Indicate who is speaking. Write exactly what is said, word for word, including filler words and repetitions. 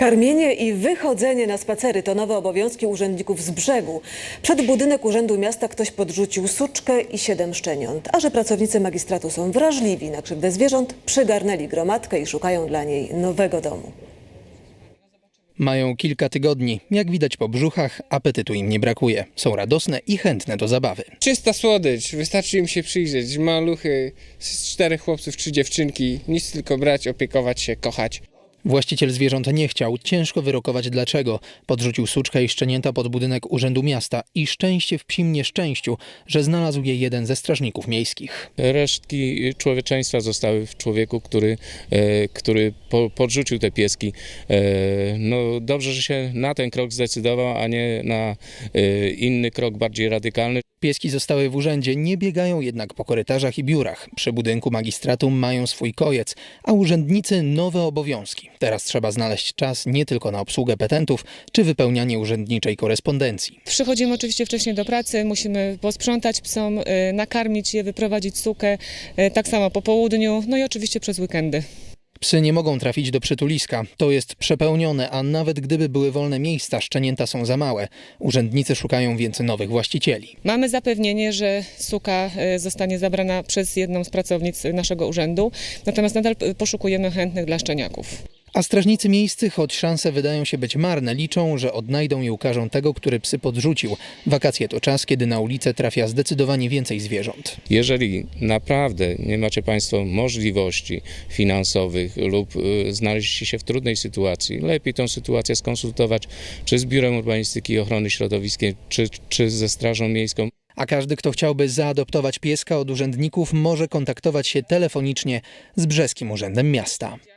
Speaker 1: Karmienie i wychodzenie na spacery to nowe obowiązki urzędników z brzegu. Przed budynek Urzędu Miasta ktoś podrzucił suczkę i siedem szczeniąt. A że pracownicy magistratu są wrażliwi na krzywdę zwierząt, przygarnęli gromadkę i szukają dla niej nowego domu.
Speaker 2: Mają kilka tygodni. Jak widać po brzuchach, apetytu im nie brakuje. Są radosne i chętne do zabawy.
Speaker 3: Czysta słodycz, wystarczy im się przyjrzeć. Maluchy, z czterech chłopców, trzy dziewczynki. Nic tylko brać, opiekować się, kochać.
Speaker 2: Właściciel zwierząt nie chciał, ciężko wyrokować dlaczego. Podrzucił suczkę i szczenięta pod budynek Urzędu Miasta i szczęście w psim nieszczęściu, że znalazł je jeden ze strażników miejskich.
Speaker 4: Resztki człowieczeństwa zostały w człowieku, który, e, który po, podrzucił te pieski. E, no dobrze, że się na ten krok zdecydował, a nie na e, inny krok bardziej radykalny.
Speaker 2: Pieski zostały w urzędzie, nie biegają jednak po korytarzach i biurach. Przy budynku magistratu mają swój kojec, a urzędnicy nowe obowiązki. Teraz trzeba znaleźć czas nie tylko na obsługę petentów czy wypełnianie urzędniczej korespondencji.
Speaker 5: Przychodzimy oczywiście wcześniej do pracy, musimy posprzątać psom, nakarmić je, wyprowadzić sukę, tak samo po południu, no i oczywiście przez weekendy.
Speaker 2: Psy nie mogą trafić do przytuliska. To jest przepełnione, a nawet gdyby były wolne miejsca, szczenięta są za małe. Urzędnicy szukają więc nowych właścicieli.
Speaker 5: Mamy zapewnienie, że suka zostanie zabrana przez jedną z pracownic naszego urzędu, natomiast nadal poszukujemy chętnych dla szczeniaków.
Speaker 2: A strażnicy miejscy, choć szanse wydają się być marne, liczą, że odnajdą i ukażą tego, który psy podrzucił. Wakacje to czas, kiedy na ulicę trafia zdecydowanie więcej zwierząt.
Speaker 4: Jeżeli naprawdę nie macie Państwo możliwości finansowych lub y, znaleźliście się w trudnej sytuacji, lepiej tę sytuację skonsultować czy z Biurem Urbanistyki i Ochrony Środowiska, czy, czy ze Strażą Miejską.
Speaker 2: A każdy, kto chciałby zaadoptować pieska od urzędników, może kontaktować się telefonicznie z Brzeskim Urzędem Miasta.